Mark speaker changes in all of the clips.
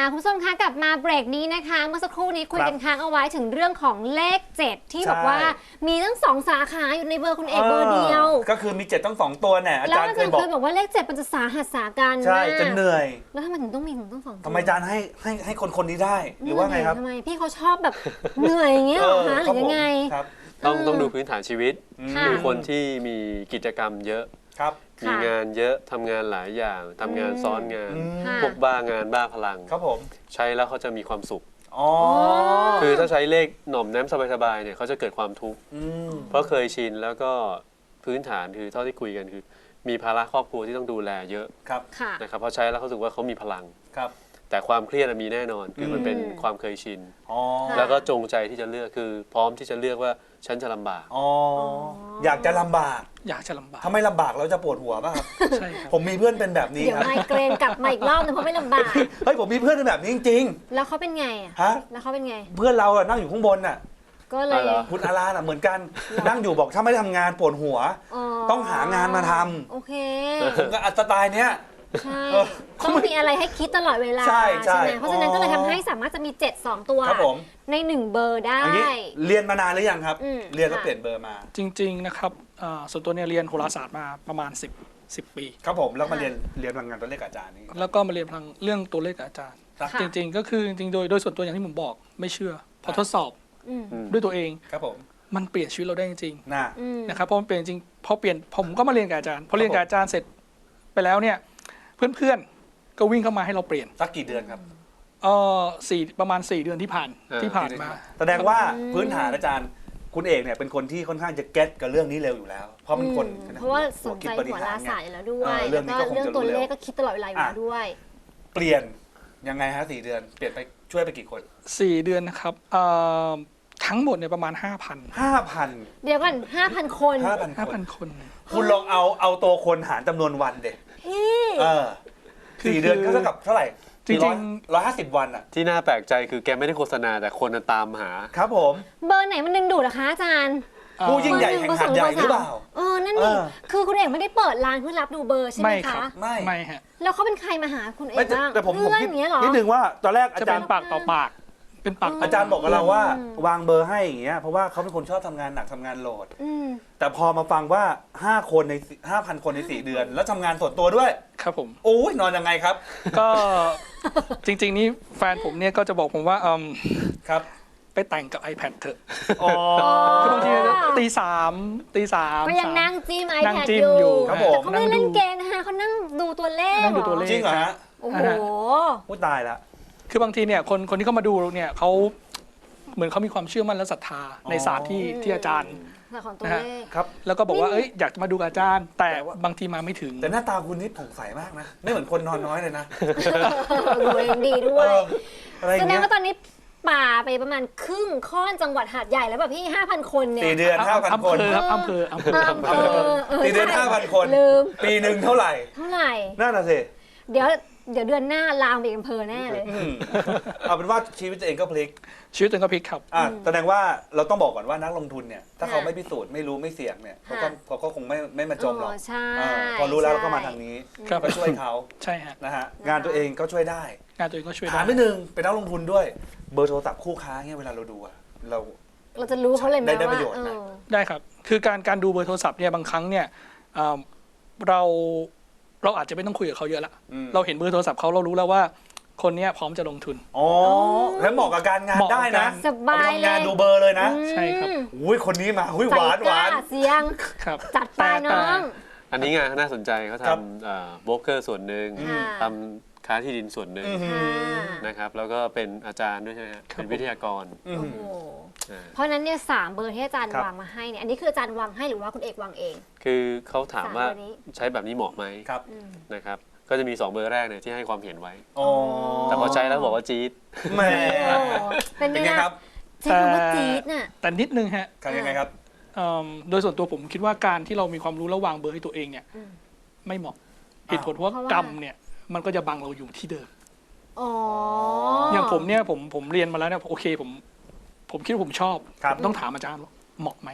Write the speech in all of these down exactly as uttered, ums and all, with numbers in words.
Speaker 1: คุณผู้ชมคะกลับมาเบรกนี้นะคะเมื่อสักครู่นี้คุยกันค้างเอาไว้ถึงเรื่องของเลขเจ็ดที่บอกว่ามีทั้งสองสาขาอยู่ในเบอร์คุณเอกเบอร์เดียว
Speaker 2: ก็คือมีเจ็ดต้องสองตัวเนี่ยอาจารย์เคยบอก
Speaker 1: เคยบอกว่าเลขเจ็ดมันจะสาหัสสากัน
Speaker 2: ใช่จะเหนื่อย
Speaker 1: แล้วทำไมถึงต้องมีถึงต้องสองตัว
Speaker 2: ทำไมอาจารย์ให้ให้ให้คนคนนี้ได้หรือว่าไงครับ
Speaker 1: ทำไมพี่เขาชอบแบบเหนื่อยอย่างเงี้ยหรอคะหรือยังไง
Speaker 3: ต้องต้องดูพื้นฐานชีวิตคือคนที่มีกิจกรรมเยอะมีงานเยอะทำงานหลายอย่างทำงานซ้อนงานพวกบ้างานบ้าพลัง
Speaker 2: ครับผม
Speaker 3: ใช้แล้วเขาจะมีความสุขคือถ้าใช้เลขหน่อมแนมสบายๆเนี่ยเขาจะเกิดความทุกข์เพราะเคยชินแล้วก็พื้นฐานคือเท่าที่คุยกันคือมีภาระครอบครัวที่ต้องดูแลเยอะนะครับพอใช้แล้วเขาสึกว่าเขามีพลังแต่ความเครียดมีแน่นอนคือมันเป็นความเคยชินแล้วก็จงใจที่จะเลือกคือพร้อมที่จะเลือกว่าฉันจะลำบาก
Speaker 2: อ๋ออยากจะลำบาก
Speaker 4: อยากจะลำบาก
Speaker 2: ถ้าไม่ลำบากเราจะปวดหัวป่ะครับ
Speaker 4: ใช่ครับ
Speaker 2: ผมมีเพื่อนเป็นแบบนี้
Speaker 1: เดี๋ยวไมเกรนกลับมาอีกรอบนึงเพราะไม่ลำบาก
Speaker 2: เฮ้ยผมมีเพื่อนเป็นแบบนี้จริง
Speaker 1: ๆแล้วเขาเป็นไงอ่ะ
Speaker 2: ฮะ
Speaker 1: แล้วเขาเป็นไง
Speaker 2: เพื่อนเราอะนั่งอยู่ข้างบนน่ะ
Speaker 1: ก็เลย
Speaker 2: คุณอาราน่ะเหมือนกันนั่งอยู่บอกถ้าไม่ทำงานปวดหัวต้องหางานมาทำ
Speaker 1: โอเค
Speaker 2: ผมก็สไตล์เนี้ย
Speaker 1: ใช่ต้องมีอะไรให้คิดตลอดเวลาใช่ใช่ไหมเพราะฉะนั้นก็เลยทำให้สามารถจะมีเจ็ด สองตัวในหนึ่งเบอร์ได้
Speaker 2: เรียนมานานหรือยังครับเรียนแล้วเปลี่ยนเบอร์มา
Speaker 4: จริงๆนะครับส่วนตัวเนี่ยเรียนโหราศาสตร์มาประมาณสิบ สิบปี
Speaker 2: ครับผมแล้วมาเรียนเรียนพลังงานตัวเลขอาจารย์นี่
Speaker 4: แล้วก็มาเรียนพลังเรื่องตัวเลขอาจารย์จริงๆก็คือจริงๆโดยโดยส่วนตัวอย่างที่ผมบอกไม่เชื่อพอทดสอบด้วยตัวเอง
Speaker 2: ครับผม
Speaker 4: มันเปลี่ยนชีวิตเราได้จริง
Speaker 2: ๆ
Speaker 4: นะครับเพราะมันเปลี่ยนจริงพอเปลี่ยนผมก็มาเรียนกับอาจารย์พอเรียนกับอาจารย์เสร็จไปแล้วเนี่ยเพื่อนๆก็วิ่งเข้ามาให้เราเปลี่ยน
Speaker 2: สักกี่เดือนครับ
Speaker 4: เออสี่ประมาณสี่เดือนที่ผ่านที่ผ่านมา
Speaker 2: แสดงว่าพื้นฐานอาจารย์คุณเอกเนี่ยเป็นคนที่ค่อนข้างจะเก็ตกับเรื่องนี้เร็วอยู่แล้วเพราะเป็นคน
Speaker 1: เพราะว่าสนใจหัวราศาสตร์อยู่แล้วด้วยแล้วก็เรื่องตัวเลขก็คิดตลอดเวลาอยู่แล้วด้วย
Speaker 2: เปลี่ยนยังไงฮะสี่เดือนเปลี่ยนไปช่วยไปกี่คน
Speaker 4: สี่เดือนนะครับทั้งหมดเนี่ยประมาณ ห้าพัน
Speaker 2: ห้าพัน
Speaker 1: เดี๋ยวก่อน ห้าพัน คน
Speaker 2: ห้าพัน
Speaker 4: ห้าพัน คน
Speaker 2: คุณลองเอาเอาตัวคนหารจำนวนวันเด็
Speaker 1: พี่
Speaker 2: เออสี่เดือนก็เท่ากับเท่าไหร่จริงๆร้อยห้าสิบวันอะ
Speaker 3: ที่น่าแปลกใจคือแกไม่ได้โฆษณาแต่คนตามหา
Speaker 2: ครับผม
Speaker 1: เบอร์ไหนมันดึงดูดนะคะอาจารย์
Speaker 2: ผู้ยิ่งใหญ่แห่งหาดใหญ่หรือเปล่า
Speaker 1: เออนั่นนี่คือคุณเอกไม่ได้เปิดร้านเพื่อรับดูเบอร์ใช่ไหมคะ
Speaker 2: ไม่
Speaker 4: ไม่ฮะ
Speaker 1: แล้วเขาเป็นใครมาหาคุณเอกบ้าง
Speaker 2: แต่ผมผมคิดนิดนึงว่าตอนแรกอาจารย์
Speaker 4: ปากต่อปากเป็นปาก
Speaker 2: อาจารย์บอกกับเราว่าวางเบอร์ให้อย่างเงี้ยเพราะว่าเขาเป็นคนชอบทำงานหนักทำงานโหลดแต่พอมาฟังว่าห้าคนใน ห้าพัน คนในสี่เดือนแล้วทำงานส่วนตัวด้วย
Speaker 4: ครับผม
Speaker 2: โอ้ยนอนยังไงครับ
Speaker 4: ก็จริงๆนี่แฟนผมเนี่ยก็จะบอกผมว่าอืม
Speaker 2: ครับ
Speaker 4: ไปแต่งกับ iPad เถอะคือบางทีตีสามตีสาม
Speaker 1: ก็ยังนั่งจิ้ม iPad อยู่แต่เขาไม่เล่นเกมนะคะเขานั่งดูตัวเลข
Speaker 2: จริงเหรอฮะ
Speaker 1: โอ้โห
Speaker 2: พูดตายละ
Speaker 4: คือบางทีเนี่ยคนคนที่เข้ามาดูเนี่ยเขาเหมือนเขามีความเชื่อมั่นและศรัทธาในศาสตร์ที่ที่อาจารย์
Speaker 1: นะฮะ
Speaker 4: ครับแล้วก็บอกว่าเอ้ยอยากจะมาดูอาจารย์แต่บางทีมาไม่ถึง
Speaker 2: แต่หน้าตาคุณนี่ผ่องใสมากนะไม่เหมือนคนนอนน้อยเลยนะ
Speaker 1: ดูเองดีด้วยแสดงว่าตอนนี้ป่าไปประมาณครึ่งค่อนจังหวัดหาดใหญ่แล้วแบบพี่ ห้าพัน คนเนี่ย
Speaker 2: สี่เดือน ห้าพัน คน
Speaker 4: ครับอำเภออำเภออำเภอ
Speaker 2: สี่เดือน ห้าพัน คนปีหนึ่งเท่าไหร่
Speaker 1: เท่าไหร่
Speaker 2: น่าน่ะสิ
Speaker 1: เดี๋ยวเดี๋ยวเดือนหน้าลามไปอำเภอแน่เลย
Speaker 2: เอาเป็นว่าชีวิตตัวเองก็พลิก
Speaker 4: ชีวิตตัวเองก็พลิกครับ
Speaker 2: อ่ะแสดงว่าเราต้องบอกก่อนว่านักลงทุนเนี่ยถ้าเขาไม่พิสูจน์ไม่รู้ไม่เสี่ยงเนี่ยเขาก็เขาก็คงไม่ไม่มาจมหรอกพอรู้แล้วก็มาทางนี้ก็ช่วยเขา
Speaker 4: ใช่ฮะ
Speaker 2: นะฮะงานตัวเองก็ช่วยได้
Speaker 4: งานตัวเองก็ช่วยได้
Speaker 2: ถามนิดนึงเป็นนักลงทุนด้วยเบอร์โทรศัพท์คู่ค้าเนี่ยเวลาเราดูอะเรา
Speaker 1: เราจะรู้เขาเลยไหมว่า
Speaker 2: ได้ประโยชน์นะ
Speaker 4: ได้ครับคือการการดูเบอร์โทรศัพท์เนี่ยบางครั้งเนี่ยเราเราอาจจะไม่ต้องคุยกับเขาเยอะละเราเห็นเบอร์โทรศัพท์เขาเรารู้แล้วว่าคนนี้พร้อมจะลงทุน
Speaker 2: อ๋อแล้วเหมาะกับการงานได้นะ
Speaker 1: สบายเลย
Speaker 2: งานดูเบอร์เลยนะ
Speaker 4: ใช่ครับ
Speaker 2: อุ้ยคนนี้มาอุ้ยหวานหวาน
Speaker 1: เสียง
Speaker 4: ครับ
Speaker 1: จัดไปน้อง
Speaker 3: อันนี้งานน่าสนใจเขาทำโบรกเกอร์ส่วนหนึ่งทำค้าที่ดินส่วนหนึ่งนะครับแล้วก็เป็นอาจารย์ด้วยใช่ไหมเป็นวิทยากร
Speaker 1: เพราะนั้นเนี่ยสามเบอร์ที่อาจารย์วางมาให้เนี่ยอันนี้คืออาจารย์วางให้หรือว่าคุณเอกวางเอง
Speaker 3: คือเขาถามว่าใช้แบบนี้เหมาะไหมนะครับก็จะมีสองเบอร์แรกเนี่ยที่ให้ความเห็นไว้แต่พอใช้แล้วบอกว่าจี๊ด
Speaker 2: แหม
Speaker 1: เป็นไงครับใช้คำว่าจี๊ดน่ะ
Speaker 4: แต่นิดนึงฮะ
Speaker 2: ยังไงครับ
Speaker 4: โดยส่วนตัวผมคิดว่าการที่เรามีความรู้ระวางเบอร์ให้ตัวเองเนี่ยไม่เหมาะเหตุผลเพราะว่ากรรมเนี่ยมันก็จะบังเราอยู่ที่เดิมอย่างผมเนี่ยผมผมเรียนมาแล้วเนี่ยโอเคผมผมคิดว่าผมชอบต้องถามอาจารย์ว่าเหมาะไหม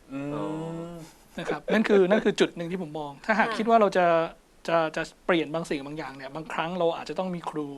Speaker 4: นะครับนั่นคือนั่นคือจุดหนึ่งที่ผมมองถ้าหากคิดว่าเราจะจะจะเปลี่ยนบางสิ่งบางอย่างเนี่ยบางครั้งเราอาจจะต้องมีครู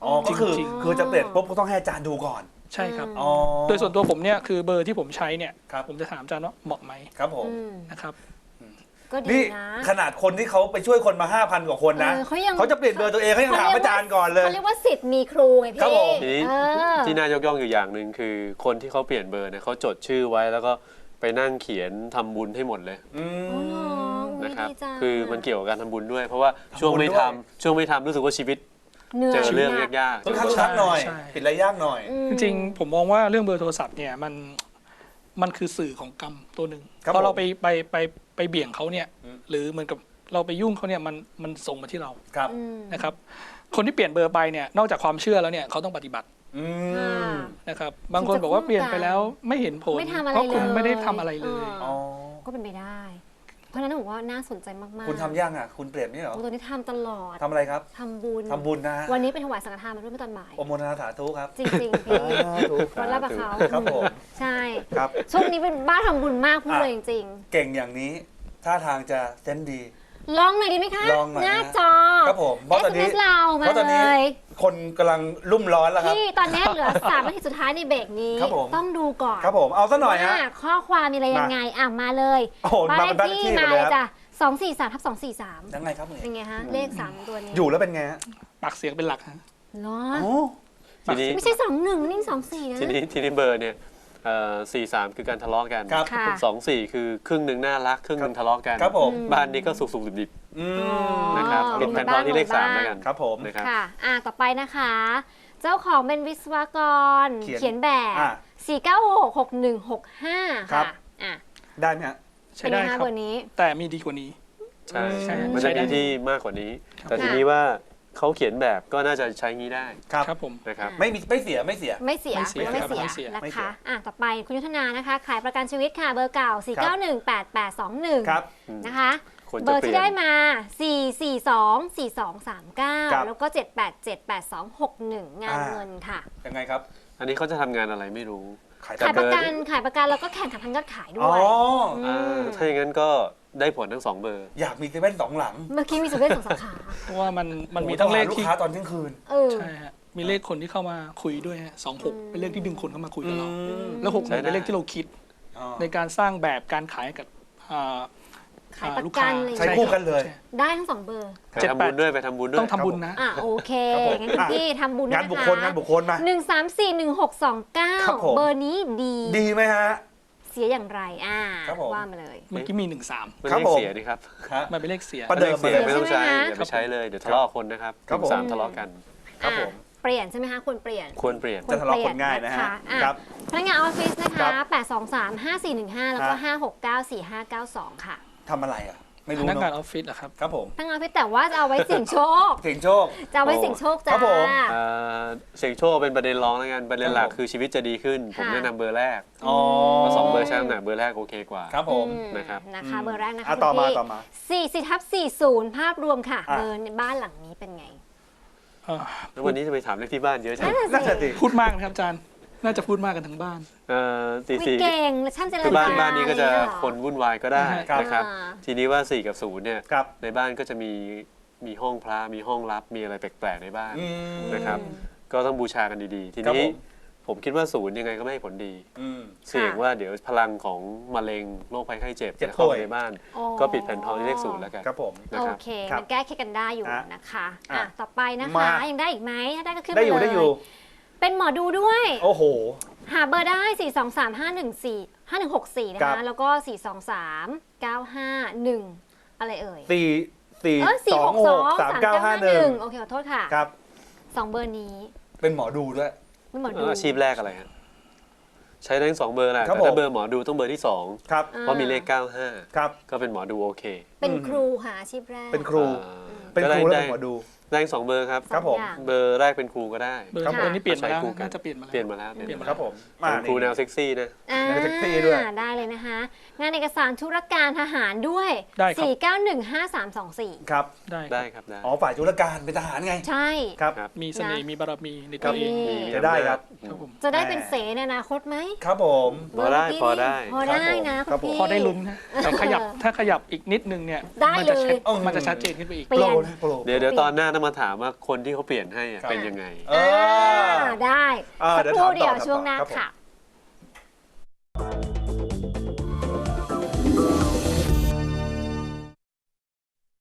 Speaker 2: อ๋อก็คือ
Speaker 4: จริง
Speaker 2: คือจะเปลี่ยนปุ๊บก็ต้องให้อาจารย์ดูก่อน
Speaker 4: ใช่ครับ
Speaker 2: อ๋อ
Speaker 4: โดยส่วนตัวผมเนี่ยคือเบอร์ที่ผมใช้เนี่ย
Speaker 2: ครับ
Speaker 4: ผมจะถามอาจารย์ว่าเหมาะไหม
Speaker 2: ครับผม
Speaker 1: อืม
Speaker 4: นะครับ
Speaker 1: ก็ดี
Speaker 2: นี่
Speaker 1: นะ
Speaker 2: ขนาดคนที่เขาไปช่วยคนมาห้าพันกว่าคนนะ
Speaker 1: เออเขายัง
Speaker 2: เขาจะเปลี่ยนเบอร์ตัวเองเขายังถามอาจารย์ก่อนเลย
Speaker 1: เขาเรียกว่าสิทธิ์มีครูไงพี่
Speaker 2: ครับผม
Speaker 3: ทีนี้
Speaker 1: เออ
Speaker 3: ที่น่ายกย่องอยู่อย่างหนึ่งคือคนที่เขาเปลี่ยนเบอร์เนี่ยเขาจดชื่อไว้แล้วก็ไปนั่งเขียนทำบุญให้หมดเลย
Speaker 2: อื
Speaker 1: อ๋อเหรอ
Speaker 2: ม
Speaker 1: อุ๊ย
Speaker 3: นะครับ
Speaker 1: ดีจัง
Speaker 3: คือมันเกี่ยวกับการทำบุญด้วย เพราะว่า
Speaker 2: ทำบุญ
Speaker 3: ช่วงไม่
Speaker 2: ด้วย
Speaker 3: ทำช่วงไม่ทำรู้สึกว่าชีวิต
Speaker 1: เหนื่อย
Speaker 3: เจอเรื่อง
Speaker 1: หนัก
Speaker 3: ยากๆ
Speaker 2: ค่อนข้าง
Speaker 3: เจอ
Speaker 2: ชัดหน่อย
Speaker 4: ใช่
Speaker 2: ปิดระยากหน่อย
Speaker 1: อืม
Speaker 4: จริงๆผมมองว่าเรื่องเบอร์โทรศัพท์เนี่ยมันมันคือสื่อของกรรมตัวหนึ่ง
Speaker 2: ครับ
Speaker 4: พอเรา
Speaker 2: ผม
Speaker 4: ไปไปไปไปเบี่ยงเขาเนี่ย
Speaker 2: อืม
Speaker 4: หรือเหมือนกับเราไปยุ่งเขาเนี่ยมันมันส่งมาที่เรา
Speaker 2: ครับ
Speaker 1: อืม
Speaker 4: นะครับ คนที่เปลี่ยนเบอร์ไปเนี่ยนอกจากความเชื่อแล้วเนี่ยเขาต้องปฏิบัติ
Speaker 2: อื
Speaker 1: ค่ะ
Speaker 2: ม
Speaker 4: นะครับ บางคนบอกว่าเปลี่ยนไปแล้วไม่เห็นผล
Speaker 1: ไม่ทำอะไร
Speaker 4: เพราะคุณ
Speaker 1: เลย
Speaker 4: ไม่ได้ทำอะไรเลย
Speaker 1: เอ
Speaker 2: อ๋อ
Speaker 1: ก็เป็นไปได้ เพราะฉะนั้นผมว่าน่าสนใจมากๆ
Speaker 2: คุณทำยังอ่ะ คุณเปลี่ยนนี่เหรอ
Speaker 1: โอ้ตัวนี้ทำตลอด
Speaker 2: ทำอะไรครับ
Speaker 1: ทำบุญ
Speaker 2: ทำบุญนะ
Speaker 1: วันนี้เป็นถวายสังฆทานมาด้วยเมื่อตอนบ่าย
Speaker 2: อมโมทนาสาธุครับ
Speaker 1: จริงๆพี่
Speaker 2: สาธุ
Speaker 1: วันรับกับเขา
Speaker 2: ครับผม
Speaker 1: ใช่
Speaker 2: ครับ
Speaker 1: ช่วงนี้เป็นบ้าทำบุญมากพูด
Speaker 2: อ่ะ
Speaker 1: เลยจริง
Speaker 2: เก่งอย่างนี้ท่าทางจะเซนส์ดี
Speaker 1: ๆ ลองหน่อยดีไหมคะ
Speaker 2: ลองหน่อยนะ
Speaker 1: หน้าจอ
Speaker 2: ครับผมเพราะตอนนี้
Speaker 1: เอส เอ็ม เอส เรามา
Speaker 2: เพราะตอน
Speaker 1: เล
Speaker 2: นี้
Speaker 1: ย
Speaker 2: คนกำลังรุ่มร้อนแล้วครับ
Speaker 1: พี่ตอนนี้เหลือ สามนาทีสุดท้ายในเบรกนี้
Speaker 2: ครับผม
Speaker 1: ต้องดูก่อน
Speaker 2: ครับผมเอาซะหน่อยฮะ
Speaker 1: ว่าข้อความมีอะไรยังไงอ่ะมาเลย
Speaker 2: โอ้โห
Speaker 1: บ้าน
Speaker 2: มา
Speaker 1: เล
Speaker 2: เป็น
Speaker 1: ข
Speaker 2: บ้านเลขที่
Speaker 1: ที่
Speaker 2: หม
Speaker 1: มา
Speaker 2: ดเลย
Speaker 1: เลย
Speaker 2: ครับ
Speaker 1: จ้ะสองสี่สามทับสองสี่สาม
Speaker 2: ยังไงครับเนี่ย
Speaker 1: เป็นไงฮะเลขสามตัวนี้
Speaker 2: อยู่แล้วเป็นไงฮะ
Speaker 4: ปากเสียงเป็นหลักฮะ
Speaker 1: เหรอ
Speaker 2: โอ้
Speaker 3: ทีนี้
Speaker 1: ไม่ใช่สองหนึ่งนี่สองสี่นะ
Speaker 3: ทีนี้ทีนี้เบอร์เนี่ยสี่สามคือการทะเลาะกัน
Speaker 2: ครับ
Speaker 1: ค่ะ
Speaker 3: สองสี่คือครึ่งหนึ่งน่ารักครึ่งหนึ่งทะเลาะกัน
Speaker 2: ครับผม
Speaker 3: บ้านนี้ก็สุกสุกดิบดิบ
Speaker 2: อื
Speaker 1: อ๋อ
Speaker 2: ม
Speaker 3: ๆนะครับ
Speaker 1: อ๋อ
Speaker 3: ปิดแผ่นทองที่เลขสาม
Speaker 1: บ้าน
Speaker 3: แล้วกัน
Speaker 2: ครับผม
Speaker 3: นะครับ
Speaker 1: ค่ะ อ่ะ ต่อไปนะคะ เจ้าของเป็นวิศวกร
Speaker 2: เขียน
Speaker 1: เขียนแบบ
Speaker 2: อ่ะ
Speaker 1: สี่เก้าหก หกหนึ่งหกห้า
Speaker 2: ครั
Speaker 1: ค่ะ
Speaker 2: บ
Speaker 1: อ่ะ
Speaker 2: ได้ไหมฮะ
Speaker 4: ใช้
Speaker 1: เป็นไง
Speaker 4: ได้ค
Speaker 1: คะ
Speaker 4: รับ
Speaker 1: เบอร์นี้
Speaker 4: แต่มีดีกว่านี้
Speaker 3: ใช่
Speaker 4: ใช่
Speaker 3: มัน
Speaker 4: ใช้
Speaker 3: จะ
Speaker 4: ได้
Speaker 3: มีที่มากกว่านี้
Speaker 4: ครับ
Speaker 3: แต่ทีนี้ว่าเขาเขียนแบบก็น่าจะใช้งี้ได้
Speaker 2: ครับ
Speaker 4: ครับผม
Speaker 3: นะครับ
Speaker 2: ไม่มีไม่เสียไม่เสีย
Speaker 1: ไม่เสีย
Speaker 4: ไม่เสีย
Speaker 1: ไม่
Speaker 4: ครับ
Speaker 1: เสีย
Speaker 4: ไม่เสีย
Speaker 1: นะ
Speaker 2: ไม่เสี
Speaker 1: คะ
Speaker 2: ย
Speaker 1: อ่ะ ต่อไปคุณยุทธนานะคะ ขายประกันชีวิตค่ะ เบอร์เก่า สี่เก้าหนึ่ง แปดแปดสองหนึ่ง
Speaker 2: ครับ
Speaker 1: นะคะ
Speaker 3: ควร
Speaker 1: เบ
Speaker 3: จะ
Speaker 1: อร์
Speaker 3: เปลี่
Speaker 1: ที่
Speaker 3: ยน
Speaker 1: ได้มา สี่ สี่ สอง สี่ สอง สาม เก้า
Speaker 2: ครับ
Speaker 1: แล้วก็ เจ็ด แปด เจ็ด แปด สอง หก หนึ่ง งาน
Speaker 2: อ่า
Speaker 1: เงินค่ะ
Speaker 2: ยังไงครับ
Speaker 3: อันนี้เขาจะทำงานอะไรไม่รู้
Speaker 2: ขาย
Speaker 1: ขาย
Speaker 2: แต่
Speaker 1: ประ
Speaker 2: เบอร์
Speaker 1: กัน ขายประกันแล้วก็แข่งขันทางยอดขายด้
Speaker 2: อ๋อ
Speaker 1: วย
Speaker 3: อ่าถ้าอย่างนั้นก็ได้ผลทั้งสองเบอร์
Speaker 2: อยากมีเซเว่นสองหลัง
Speaker 1: เมื่อกี้มีสุดเวชสองสาขา
Speaker 4: เพราะว่ามันมันมี
Speaker 2: โอ้โห
Speaker 4: ทั้งเลข
Speaker 2: ต้อหาลูก
Speaker 4: ที่
Speaker 2: ค้าตอนเที่ยงคืน
Speaker 1: เออ
Speaker 4: ใช่ฮะมีเลขคนที่เข้ามาคุยด้วยฮะสองหกเป็นเลขที่ดึงคนเข้ามาคุยกับเรา
Speaker 2: อืม
Speaker 4: แล้วหกห
Speaker 3: ใช้
Speaker 4: นึ่ง
Speaker 3: ได้
Speaker 4: เป็นเลขที่เราคิด
Speaker 2: อ๋อ
Speaker 4: ในการสร้างแบบการขายให้กับอ่า
Speaker 1: ขาย
Speaker 4: อ่า
Speaker 1: ประ
Speaker 4: ลูก
Speaker 1: กั
Speaker 4: ค้าน
Speaker 1: เลย
Speaker 2: ใช้คู่กันเลย
Speaker 4: ใช่
Speaker 1: ได้ทั้งสองเบอร์
Speaker 3: ไปทำบุญด้วยไปทำบุญด้วย
Speaker 4: ต้องทำบุญนะ
Speaker 1: อ่ะโอเค
Speaker 2: ครับผม
Speaker 1: งั้นคุณพี่ทำบุญด้วย
Speaker 2: งาน
Speaker 1: นะคะ
Speaker 2: บุคคลงานบุคคลมา
Speaker 1: หนึ่งสามสี่หนึ่งหกสองเก้า
Speaker 2: ครับผม
Speaker 1: เบอร์นี้ดี
Speaker 2: ดีไหมฮะ
Speaker 1: เสียอย่างไรอ่า
Speaker 2: ครับผม
Speaker 1: ว่ามาเลย
Speaker 4: เมื่อกี้มีหนึ่งสาม
Speaker 3: มัน
Speaker 2: ครับ
Speaker 3: เลข
Speaker 2: ผม
Speaker 3: เสียดีครับ
Speaker 2: ฮะ
Speaker 4: มันเป็นเลขเสีย
Speaker 2: ประเดิม
Speaker 3: เลขเสียไม่ต้องใช้
Speaker 1: ใช่ไหมคะ
Speaker 3: อย่าไปใช้เลยเดี๋ยวทะเลาะกับคนนะครับ
Speaker 2: ครับผม
Speaker 3: สามทะเลาะกัน
Speaker 2: ครับผม
Speaker 1: อ่ะเปลี่ยนใช่ไหมคะควรเปลี่ยน
Speaker 3: ควรเปลี่ยน
Speaker 2: จะทะเลาะคนง่ายนะฮะ
Speaker 1: อ่
Speaker 2: ครับ
Speaker 1: พนักงานออฟฟิศนะ
Speaker 2: ครั
Speaker 1: คะ
Speaker 2: บ
Speaker 1: แปดสองสาม ห้าสี่หนึ่งห้า แล้วก็
Speaker 2: ฮะ
Speaker 1: ห้าหกเก้า สี่ห้าเก้าสองค่ะ
Speaker 2: ทำอะไรอ่ะ ไม่
Speaker 4: พ
Speaker 2: รู้
Speaker 4: นักงาน
Speaker 2: เนาะ
Speaker 4: ออฟฟิศเหรอครับ
Speaker 2: ครับผม
Speaker 1: พนักงานออฟฟิศแต่ว่าจะเอาไว้เสี่ยงโชค
Speaker 2: เก่งโชค
Speaker 1: จะเอาไว้เสี่ยงโชคจ้า
Speaker 2: ครับผม
Speaker 3: เอ่อเสียงโชคเป็นประเด็นรองแล้วกันประเด็นหลัก
Speaker 2: ครับผม
Speaker 3: คือชีวิตจะดีขึ้น ผม
Speaker 1: ค่ะ
Speaker 3: แนะนำเบอร์แรก
Speaker 2: อ๋อ
Speaker 3: เพราะสองเบอร์ใช้น้ำหนักเบอร์แรกโอเคกว่า
Speaker 2: ครับผม
Speaker 1: อืม
Speaker 3: นะครับ
Speaker 1: นะคะ เบอร์แรกนะคะ
Speaker 2: อ่ะ
Speaker 1: คุณ
Speaker 2: ต่อมา
Speaker 1: พี่
Speaker 2: ต่อมา
Speaker 1: สี่สิทับสี่ศูนย์ภาพรวมค่ะ
Speaker 2: อ่ะ
Speaker 1: เบอร์ในบ้านหลังนี้เป็นไง
Speaker 4: เอ่อ
Speaker 3: แล้ววันนี้จะไปถามเลขที่บ้านเยอะจัง
Speaker 2: น่าจะดี
Speaker 4: พูดมากนะครับอาจารย์ น่าจะพูดมากกันทั้งบ้าน
Speaker 3: เอ่อสี่
Speaker 1: ไม่
Speaker 3: สี่
Speaker 1: เก่งและช่างเจร
Speaker 3: คือ
Speaker 1: จา
Speaker 3: บ้านบ้านนี้ก็จะ
Speaker 1: อไรอย่างเงี้ยเหรอ
Speaker 3: คนวุ่นวายก็ได้
Speaker 4: ครับ
Speaker 3: นะครับ
Speaker 1: อ่า
Speaker 3: ทีนี้ว่าสี่กับศูนย์เนี่ย
Speaker 2: ครับ
Speaker 3: ในบ้านก็จะมีมีห้องพระมีห้องลับมีอะไรแปลกๆในบ้าน
Speaker 2: อืม
Speaker 3: นะครับ ก็ต้องบูชากันดีๆ ที
Speaker 2: ครับ
Speaker 3: นี้
Speaker 2: ผม
Speaker 3: ผมคิดว่าศูนย์ยังไงก็ไม่ให้ผลดี
Speaker 2: อืม
Speaker 3: เสี่ยงว่าเดี๋ยวพลังของมะเร็งโรคภัยไข้เจ็บ
Speaker 2: เจ็บ
Speaker 3: จะเข้า
Speaker 2: ป่วย
Speaker 3: ในบ้าน
Speaker 1: อ๋อ
Speaker 3: ก็ปิดแผ่นทองที่เลขศูนย์แล้วกัน
Speaker 2: ครับผม
Speaker 3: นะ
Speaker 1: โอ
Speaker 3: ครับ
Speaker 1: เค
Speaker 2: ครับ
Speaker 1: มันแก้เคล็ดกันได้อยู่
Speaker 2: อ่ะ
Speaker 1: นะคะ
Speaker 2: อ่ะ
Speaker 1: อ่ะต่อไปนะคะ
Speaker 2: มา
Speaker 1: ยังได้อีกไหมถ้าได้ก็ขึ้น
Speaker 2: ได้
Speaker 1: มา
Speaker 2: อยู่
Speaker 1: เล
Speaker 2: ได้อยู่
Speaker 1: ยเป็นหมอดูด้วย
Speaker 2: โอ้โห
Speaker 1: หาเบอร์ได้ สี่ สอง สาม ห้า หนึ่ง สี่ ห้า หนึ่ง หก สี่ นะ
Speaker 2: ครั
Speaker 1: คะ
Speaker 2: บ
Speaker 1: แล้วก็ สี่ สอง สาม เก้า ห้า หนึ่ง อะไรเอ่ย
Speaker 2: สี่สี่
Speaker 1: เออสี่
Speaker 2: สอ
Speaker 1: ห
Speaker 2: ง
Speaker 1: ก
Speaker 2: ห
Speaker 1: สอก ง
Speaker 2: สาม
Speaker 1: สาม
Speaker 2: เก้า
Speaker 1: เก้า
Speaker 2: ห้า
Speaker 1: ห้า
Speaker 2: ห
Speaker 1: ห
Speaker 2: นึ่
Speaker 1: นึ่
Speaker 2: ง
Speaker 1: งโอเคขอโทษค่ะ
Speaker 2: ครับ
Speaker 1: สองเบอร์นี้
Speaker 2: เป็นหมอดูด้วย
Speaker 1: ไม่หมอ
Speaker 3: เอ
Speaker 1: ดู
Speaker 3: ออาชีพแรกอะไรฮะใช้ได้ทั้งสองเบอร์แหละ
Speaker 2: ครับ
Speaker 3: แต่ถ้า
Speaker 2: ผม
Speaker 3: เบอร์หมอดูต้องเบอร์ที่สอง
Speaker 2: ครับ
Speaker 1: อ่
Speaker 3: เพราะมีเลขเก้าห้า
Speaker 2: ครับ
Speaker 3: ก็เป็นหมอดูโอเค
Speaker 1: เป็น
Speaker 2: อืม
Speaker 1: ครูค่ะอาชีพแรก
Speaker 2: เป็นครู
Speaker 3: อ่า
Speaker 2: เป็น
Speaker 3: ก็
Speaker 2: ค
Speaker 3: ได้
Speaker 2: รูแล้ว
Speaker 3: ได้
Speaker 2: เป็นหมอดู
Speaker 3: ได้ทั้งสองเบอร์ครับ
Speaker 1: สอง
Speaker 2: ครับผม
Speaker 1: อย่าง
Speaker 3: เบอร์แรกเป็นครูก็ได้
Speaker 4: เบอร์
Speaker 1: ครับ
Speaker 4: เบอร์นี้เปลี่ยนมาแล้ว
Speaker 3: ใช้คู่กัน
Speaker 4: น่าจะเปลี่ยนมาแล้ว
Speaker 3: เปลี่ยนมาแล้ว
Speaker 4: เปลี่ยนมา
Speaker 2: ครับผม
Speaker 3: เป็นครูแนวเซ็กซี่นะ
Speaker 1: อ่า
Speaker 2: ในแท็กซี่ด้วย
Speaker 1: ได้เลยนะคะ งานเอกสารธุรการทหารด้วย
Speaker 4: ได้ครับ
Speaker 1: สี่ เก้า หนึ่ง ห้า สาม สอง สี่
Speaker 2: ครับ
Speaker 4: ได้
Speaker 3: ได้ครับได้
Speaker 2: อ๋อ ฝ่ายธุรการเป็นทหารไง
Speaker 1: ใช่
Speaker 2: ครับ
Speaker 3: ครับ
Speaker 4: มีเสน่ห์มีบารมีใน
Speaker 2: ครั
Speaker 4: ตั
Speaker 2: บ
Speaker 4: วเอง
Speaker 1: มี
Speaker 3: มี
Speaker 2: จะได้ครับ
Speaker 4: ครับผม
Speaker 1: จะได้เป็นเสในอนาคตไหม
Speaker 2: ครับผม
Speaker 3: พอได้
Speaker 1: เบร์
Speaker 3: พอได้
Speaker 1: พอได้นะ
Speaker 2: ครั
Speaker 1: คุ
Speaker 2: บ
Speaker 1: ณ
Speaker 2: ผม
Speaker 1: พี่
Speaker 4: พอได้ลุ้นนะแต่ขยับถ้าขยับอีกนิดนึงเนี่ยเนี่ย
Speaker 1: ได้
Speaker 4: มั
Speaker 1: เลย
Speaker 4: จะชัด
Speaker 2: อืม
Speaker 4: มันจะชัดเจนขึ้นไปอีก
Speaker 1: เปลี่ยน
Speaker 2: โปรนะโปร
Speaker 3: เดี๋ยวเดี๋ยวตอนหน้าต้องมาถามว่าคนที่เขาเปลี่ยนให้อะ
Speaker 2: ครับ
Speaker 3: เป็นยังไง
Speaker 2: เออ
Speaker 1: อ่าได้
Speaker 2: อ่า
Speaker 1: สัก
Speaker 2: เดี๋ยว
Speaker 1: ครู่
Speaker 2: ถามต่อ
Speaker 1: เดียว
Speaker 2: ครับ
Speaker 1: ช่วงหน้า
Speaker 2: ครับผม
Speaker 1: ค่ะ